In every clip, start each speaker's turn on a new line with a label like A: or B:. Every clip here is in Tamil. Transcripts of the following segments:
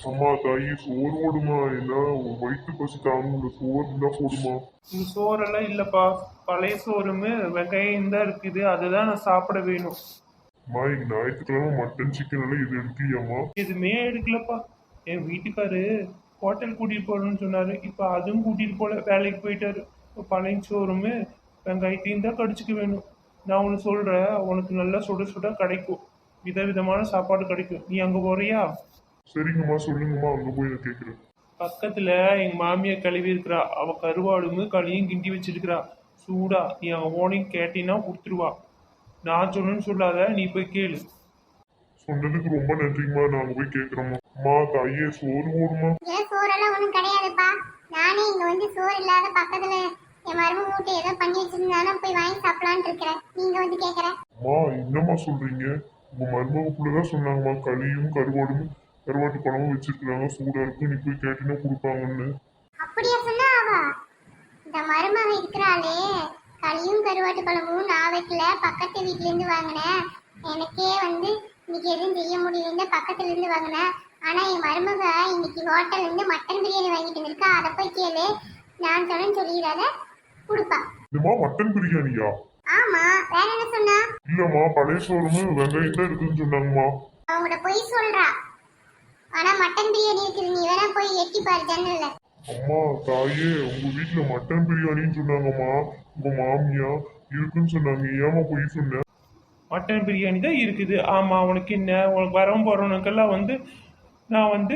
A: அம்மா தாயி சோறு போடுமா என்ன வயிற்று பசி தாங்க சோறு இருந்தா போடுமா.
B: இந்த சோறெல்லாம் இல்லப்பா. பழைய சோறுமே வெங்காயம் தான் இருக்குது, அதுதான் நான் சாப்பிட வேணும்.
A: அம்மா இன்னைக்கு ஞாயிற்றுக்கிழமை மட்டன் சிக்கன் எல்லாம் இது எடுக்கலையாம்மா.
B: எதுவுமே எடுக்கலப்பா. என் வீட்டுக்காரு ஹோட்டல் கூட்டிட்டு போறேன்னு சொன்னாரு, இப்ப அதுவும் கூட்டிட்டு போல, வேலைக்கு போயிட்டாரு. இப்ப பழைய சோறுமே வெங்காயத்தையும் தான் கடிச்சுக்க வேணும். நான் ஒன்று சொல்றேன், உனக்கு நல்லா சுட சுட கிடைக்கும், விதவிதமான சாப்பாடு கிடைக்கும். நீ அங்க போறியா?
A: சரிங்கம்மா சொல்லுங்கம்மா அங்க போய் நான் கேட்குறேன்.
B: பக்கத்துல எங்க மாமியார் கழுவி இருக்கிறா, அவ கருவாடும் களியும் கிண்டி வச்சிருக்கிறா சூடா. நீ அங்க போனீங்க கேட்டீங்கன்னா கொடுத்துருவா. நான் சொன்னேன்னு சொல்லாத, நீ போய் கேளு.
A: சொன்னதுக்கு ரொம்ப நன்றிங்கம்மா நாங்க போய் கேட்குறோம்மா. அம்மா தாயே சோறு போடுமா.
C: ஏன் சோறெல்லாம் ஒன்றும் கிடையாதுப்பா. நானே இங்க வந்து சோறு இல்லாத பக்கத்துல என் மருமக வீட்டை ஏதோ பண்ணி வச்சிருந்தாலும் போய் வாங்கி சாப்பிடலான்னு இருக்கிறேன். நீங்க வந்து கேக்குற.
A: அம்மா என்னம்மா சொல்றீங்க. உங்க மருமகப்புள்ளதான் சொன்னாங்கம்மா களியும் கருவாட்டு குழம்பும் வச்சிருக்காங்க சூடா இருக்கு நீ போய் கேட்டீங்கன்னா கொடுப்பாங்கன்னு.
C: அப்படியா சொன்னா அவ? இந்த மருமக இருக்கிறாளே, களியும் கருவாட்டு குழம்பும் நான் வைக்கல, பக்கத்து வீட்டுல இருந்து வாங்கினேன். எனக்கே வந்து இன்னைக்கு எதுவும் செய்ய முடியல, பக்கத்துல இருந்து வாங்கினேன். ஆனா என் மருமக இன்னைக்கு ஹோட்டல்ல இருந்து மட்டன் பிரியாணி வாங்கிட்டு வந்திருக்கா. அதை போய் கேளு. நான் சொன்னேன்னு சொல்லிடாத, கொடுப்பா.
A: இதுமா மட்டன் பிரியாணியா?
C: ஆமா, வேற என்ன சொன்னா?
A: இல்லம்மா பழைய சோறுமே வெங்காயம் தான் இருக்குன்னு சொன்னாங்கம்மா.
C: அவங்களோட பொய் சொல்றா. ஆனா மட்டன் பிரியாணி இருக்குது, நீ வேணா போய் எட்டி பாரு ஜன்னல்ல.
A: அம்மா தாயே உங்க வீட்டுல மட்டன் பிரியாணின்னு சொன்னாங்கம்மா. உங்க மாமியா இருக்குன்னு சொன்னாங்க ஏமா போய் சொன்ன.
B: மட்டன் பிரியாணி தான் இருக்குது. ஆமா, உனக்கு என்ன? உனக்கு வரவும் போறவனுக்கெல்லாம் வந்து நான் வந்து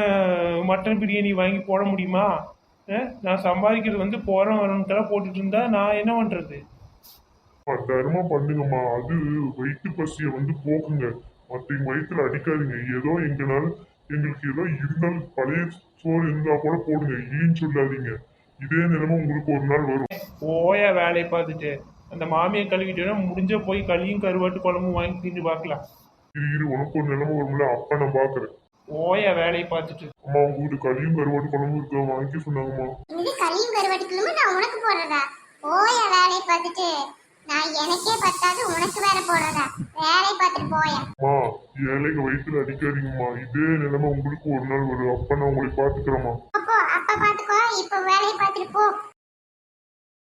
B: மட்டன் பிரியாணி வாங்கி போட முடியுமா? நான் சம்பாதிக்கிறது வந்து போறவன் வரவனுக்கெல்லாம் போட்டுட்டு இருந்தா நான் என்ன பண்றது?
A: 10,000 பண்ணுங்கம்மா அது வயிற்று பசியை வந்து போக்குங்க. மற்றவங்க வயிற்றுல அடிக்காதீங்க. ஏதோ எங்கனால எங்களுக்கு ஏதோ இருந்தாலும் பழைய சோறு இருந்தா கூட போடுங்க இல்லைன்னு சொல்லாதீங்க. இதே நிலைமை உங்களுக்கு ஒரு நாள் வரும்.
B: ஓயா வேலையை பார்த்துட்டு அந்த மாமியை கழுவிட்டேன்னா முடிஞ்ச போய் களியும் கருவாட்டு குழம்பும் வாங்கி தின்னு பார்க்கலாம்.
A: இரு உனக்கு ஒரு நிலைமை வரும்ல அப்ப நான் பாக்குறேன்.
B: ஓயா வேலையை பார்த்துட்டு.
A: அம்மா உங்க வீட்டு களியும் கருவாட்டு குழம்பு இருக்க வாங்கி சொன்னாங்கம்மா.
C: இது களியும் கருவாட்டுக்குள்ளுமே நான் உனக்கு போடுறதா? போய வேலையை பார்த்துட்டு நான் எனக்கே பத்தாது உனக்கு வேற போடுறதா? வேலையை பார்த்துட்டு போயா.
A: அம்மா ஏழைக்கு வயிற்றுல அடிக்காதீங்கம்மா. இதே நிலைமை உங்களுக்கு ஒரு நாள் வரும் அப்ப நான் உங்களை பாத்துக்கிறேம்மா.
C: அப்போ அப்ப பாத்துக்கோ, இப்ப வேலையை பார்த்துட்டு போ.